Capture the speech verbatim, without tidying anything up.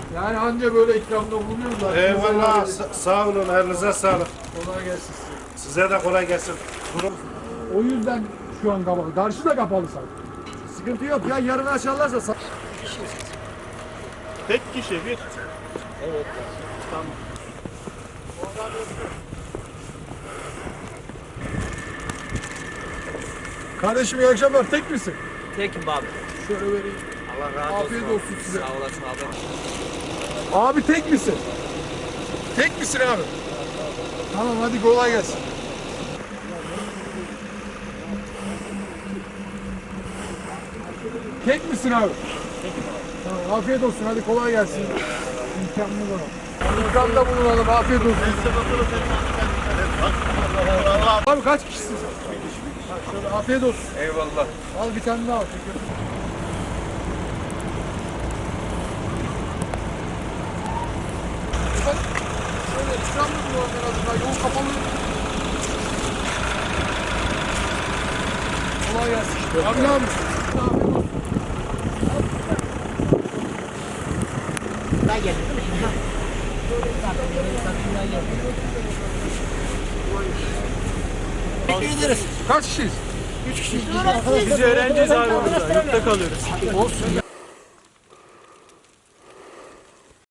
Yani anca böyle ikramda bulunuyoruz zaten. Eyvallah. Sa- sağ olun. Elinize sağlık. Kolay gelsin size. Size de kolay gelsin. Durum. O yüzden şu an kapalı. Karşı da kapalı sanki. Sıkıntı yok ya, yarın açarlarsa sa- Tek kişi bir. Evet. Tamam. Kardeşim iyi akşamlar. Tek misin? Tekim abi. Şöyle vereyim. Allah razı olsun. Afiyet olsun size. Sağ olasın abi. Abi tek misin? Tek misin abi? Tamam hadi kolay gelsin. Tek misin abi? Tekim abi. Tamam afiyet olsun hadi kolay gelsin. İmkanlı bana. İmkanda bulunalım afiyet olsun. Abi kaç kişisin sen? Ha, şöyle afiyet olsun. Eyvallah. Al bir tane daha al. Çünkü... Ben şöyle ikram mı bulalım en azından? Yol kapalı. Kolay gelsin. Abi ne yapıyorsun? Afiyet olsun. Ben geldim değil mi şimdi? Teşekkür ederiz. Kaç kişiyiz? Üç kişi. Biz öğrenciyiz abi burada. Yurtta kalıyoruz. Olsun.